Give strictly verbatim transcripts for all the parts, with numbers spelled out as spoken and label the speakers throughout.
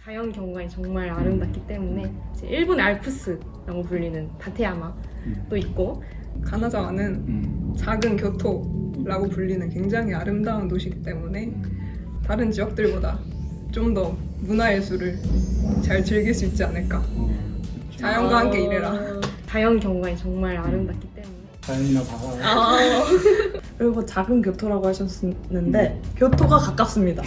Speaker 1: 자연 경관이 정말 아름답기 때문에 이제 일본의 알프스라고 불리는 다테야마도 있고,
Speaker 2: 가나자와는
Speaker 3: 음.
Speaker 2: 작은 교토라고 불리는 굉장히 아름다운 도시이기 때문에 다른 지역들보다 좀 더 문화예술을 잘 즐길 수 있지 않을까. 자연과 함께 일해라.
Speaker 1: 자연 경관이 정말 아름답기 때문에.
Speaker 3: 자연이나 바다.
Speaker 1: 아,
Speaker 4: 그리고 작은 교토라고 하셨는데 교토가 가깝습니다.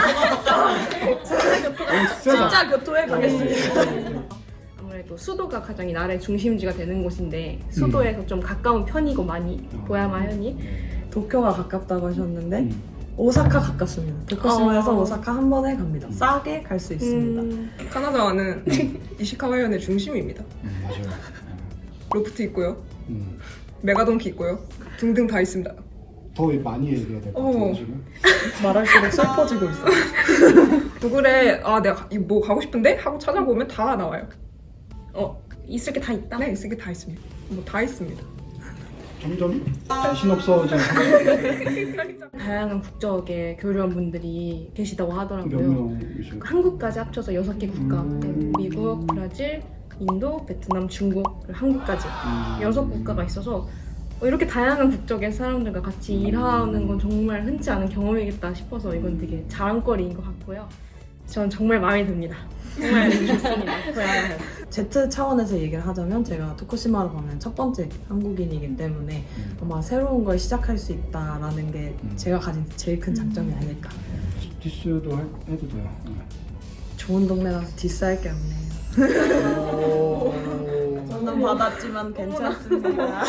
Speaker 4: 진짜 교토에 가겠습니다.
Speaker 1: 아무래도 수도가 가장 이 나라의 중심지가 되는 곳인데 수도에서 좀 가까운 편이고 많이 도야마 현이.
Speaker 4: 도쿄가 가깝다고 하셨는데
Speaker 3: 음.
Speaker 4: 오사카 가깝습니다. 도쿄시마에서
Speaker 1: 어.
Speaker 4: 오사카 한 번에 갑니다. 싸게 갈 수 있습니다.
Speaker 1: 음,
Speaker 2: 가나자와는 이시카와현의 중심입니다.
Speaker 3: 음, 맞아요.
Speaker 2: 로프트 있고요,
Speaker 3: 음.
Speaker 2: 메가돈키 있고요, 등등 다 있습니다.
Speaker 3: 더 많이 얘기해야 될 것
Speaker 2: 어.
Speaker 3: 같아요 지금.
Speaker 4: 말할수록 슬퍼지고 있어요.
Speaker 2: 구글에 아 내가 이 뭐 가고 싶은데 하고 찾아보면 다 나와요.
Speaker 1: 어, 있을 게 다 있다?
Speaker 2: 네, 있을 게 다 있습니다. 뭐 다 있습니다.
Speaker 3: 점점 자신 없어져.
Speaker 1: 다양한 국적의 교류원분들이 계시다고
Speaker 3: 몇
Speaker 1: 하더라고요.
Speaker 3: 명이신가요?
Speaker 1: 한국까지 합쳐서 여섯 개 국가,
Speaker 3: 음.
Speaker 1: 네, 미국, 브라질, 인도, 베트남, 중국, 그리고 한국까지
Speaker 3: 음.
Speaker 1: 여섯 국가가 있어서 어, 이렇게 다양한 국적의 사람들과 같이 일하는 건 정말 흔치 않은 경험이겠다 싶어서 이건 되게 자랑거리인 것 같고요. 전 정말 마음에 듭니다. 정말 좋습니다. 고향을.
Speaker 4: Z 차원에서 얘기를 하자면 제가 토쿠시마로 가는 첫 번째 한국인이기 때문에 아마 새로운 걸 시작할 수 있다라는 게
Speaker 3: 음.
Speaker 4: 제가 가진 제일 큰 장점이 아닐까.
Speaker 3: 디스도 할- 해도 돼요.
Speaker 4: 좋은 동네라서 디스할 게 없네요.
Speaker 3: 오.
Speaker 4: 저는 받았지만 괜찮습니다.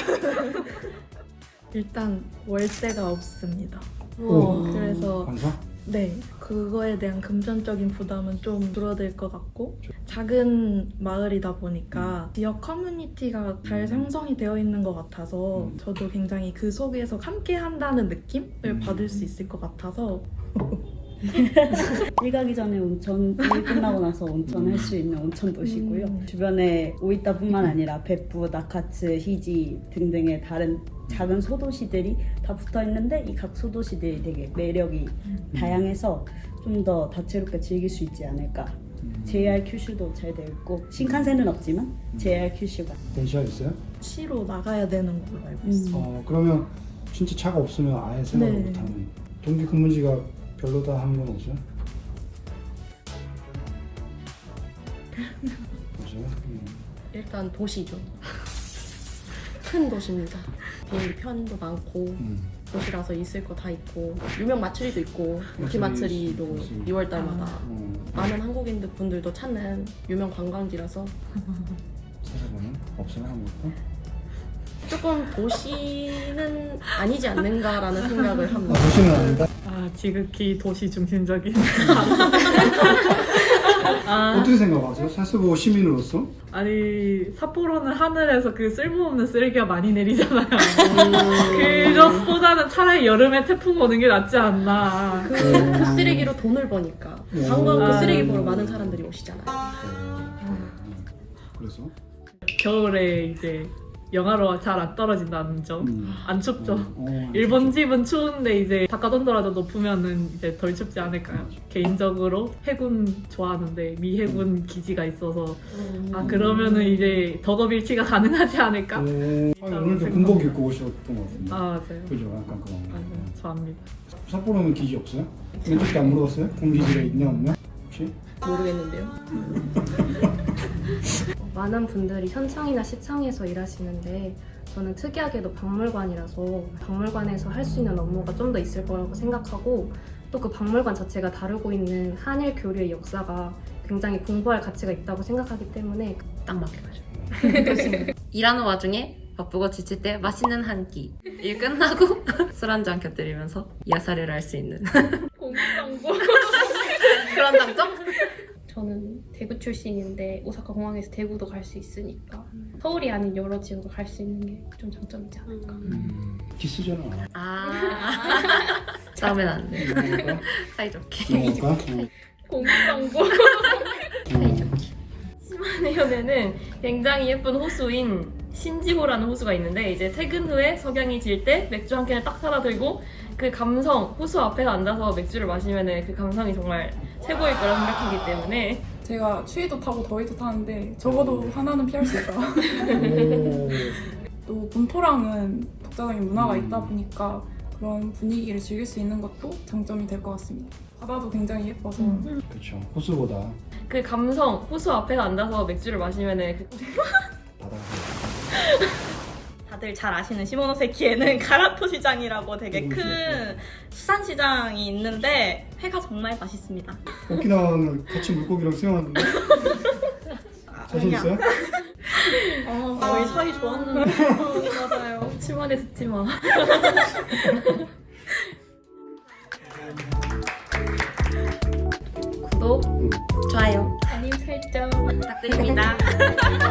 Speaker 5: 일단 월세가 없습니다.
Speaker 3: 오.
Speaker 5: 그래서
Speaker 3: 관사?
Speaker 5: 네, 그거에 대한 금전적인 부담은 좀 줄어들 것 같고, 작은 마을이다 보니까 지역 커뮤니티가 잘 형성이 되어 있는 것 같아서
Speaker 3: 음.
Speaker 5: 저도 굉장히 그 속에서 함께 한다는 느낌을
Speaker 3: 음.
Speaker 5: 받을 수 있을 것 같아서
Speaker 6: 일 가기 전에 온천, 일 끝나고 나서 온천 할 수 있는 온천 도시고요.
Speaker 5: 음.
Speaker 6: 주변에 오이타뿐만 아니라 베푸, 나카츠, 히지 등등의 다른 작은 소도시들이 다 붙어 있는데 이 각 소도시들이 되게 매력이 다양해서 좀 더 다채롭게 즐길 수 있지 않을까. 제이알 큐슈도 잘 되어 있고 신칸센은 없지만 제이알 큐슈가
Speaker 3: 電車 있어요?
Speaker 5: 시로 나가야 되는 걸로 알고 있어요.
Speaker 3: 어 그러면 진짜 차가 없으면 아예 생각을
Speaker 5: 네.
Speaker 3: 못하는. 동기 근무지가 별로다 하는 건 없어요? 없어요? 음.
Speaker 1: 일단 도시죠. 큰 도시입니다. 비행기 편도 많고
Speaker 3: 음.
Speaker 1: 도시라서 있을 거 다 있고 유명 마츠리도 있고
Speaker 3: 마츠리,
Speaker 1: 마츠리도
Speaker 3: 마츠리.
Speaker 1: 이월 달마다
Speaker 3: 음.
Speaker 1: 많은 한국인들 분들도 찾는 유명 관광지라서
Speaker 3: 찾아보면 없어요 한국도?
Speaker 1: 조금 도시는 아니지 않는가라는 생각을
Speaker 3: 아,
Speaker 1: 합니다.
Speaker 3: 도시는 아니다?
Speaker 5: 아, 지극히 도시 중심적인. 아,
Speaker 3: 어떻게 생각하세요? 사스보 시민으로서?
Speaker 5: 아니 삿포로는 하늘에서 그 쓸모없는 쓰레기가 많이 내리잖아요. 그것보다는 차라리 여름에 태풍 오는 게 낫지 않나.
Speaker 1: 그, 그 쓰레기로 돈을 버니까 관광 그
Speaker 5: 아.
Speaker 1: 쓰레기 보러 많은 사람들이 오시잖아요.
Speaker 3: 그래서?
Speaker 5: 겨울에 이제 영하로 잘 안 떨어진다는 점.
Speaker 3: 음.
Speaker 5: 안 춥죠.
Speaker 3: 어, 어,
Speaker 5: 일본 집은 추운데 이제 바깥 온도라도 높으면은 이제 덜 춥지 않을까요? 개인적으로 해군 좋아하는데 미 해군 기지가 있어서 아 그러면은 이제 덕업일치가 가능하지 않을까?
Speaker 3: 어, 아니, 오늘도 군복 입고 오셨던 것 같은데.
Speaker 5: 아 맞아요.
Speaker 3: 그죠? 약간 그런 거.
Speaker 5: 맞아요. 좋아합니다.
Speaker 3: 삿포로는 기지 없어요? 왼쪽도 안 물어봤어요? 공기지가 있냐 없냐? 혹시?
Speaker 1: 모르겠는데요. 많은 분들이 현청이나 시청에서 일하시는데 저는 특이하게도 박물관이라서 박물관에서 할 수 있는 업무가 좀 더 있을 거라고 생각하고 또 그 박물관 자체가 다루고 있는 한일 교류의 역사가 굉장히 공부할 가치가 있다고 생각하기 때문에 딱 맞게가지고 일하는 와중에 바쁘고 지칠 때 맛있는 한 끼 일 끝나고 술 한잔 곁들이면서 야사를 할 수 있는
Speaker 7: 공부광고.
Speaker 1: 그런 장점?
Speaker 7: 저는 대구 출신인데 오사카 공항에서 대구도 갈 수 있으니까 서울이 아닌 여러 지역을 갈 수 있는 게 좀 장점이지 않을까.
Speaker 3: 음. 기스잖아.
Speaker 1: 아 싸우면 안 돼.
Speaker 3: 넘어갈까?
Speaker 1: 사이좋게.
Speaker 3: 넘어갈까? 어.
Speaker 7: 공부광고.
Speaker 1: 사이좋게. 시마네현에는 굉장히 예쁜 호수인 신지호라는 호수가 있는데 이제 퇴근 후에 석양이 질 때 맥주 한 캔을 딱 사다 들고 그 감성, 호수 앞에 앉아서 맥주를 마시면 그 감성이 정말 최고일 거라 생각하기 때문에
Speaker 8: 제가 추위도 타고 더위도 타는데 적어도 하나는 피할 수 있다.
Speaker 3: 오.
Speaker 8: 또 본토랑은 독자적인 문화가
Speaker 3: 음.
Speaker 8: 있다 보니까 그런 분위기를 즐길 수 있는 것도 장점이 될 것 같습니다. 바다도 굉장히 예뻐서
Speaker 3: 그렇죠. 호수보다
Speaker 9: 그 감성, 호수 앞에 앉아서 맥주를 마시면은 그
Speaker 3: 바다가
Speaker 10: 다들 잘 아시는 시모노세키에는 가라토 시장이라고 되게
Speaker 3: 오,
Speaker 10: 큰 수산 시장이 있는데 회가 정말 맛있습니다.
Speaker 3: 오키나와는 같이 물고기랑 수영하는데 자신
Speaker 10: 그냥.
Speaker 3: 있어요?
Speaker 10: 어, 저희 사이 좋았는데.
Speaker 9: 맞아요. 치마에 듣지 마.
Speaker 10: 구독, 좋아요
Speaker 7: 알림 설정
Speaker 10: 부탁드립니다.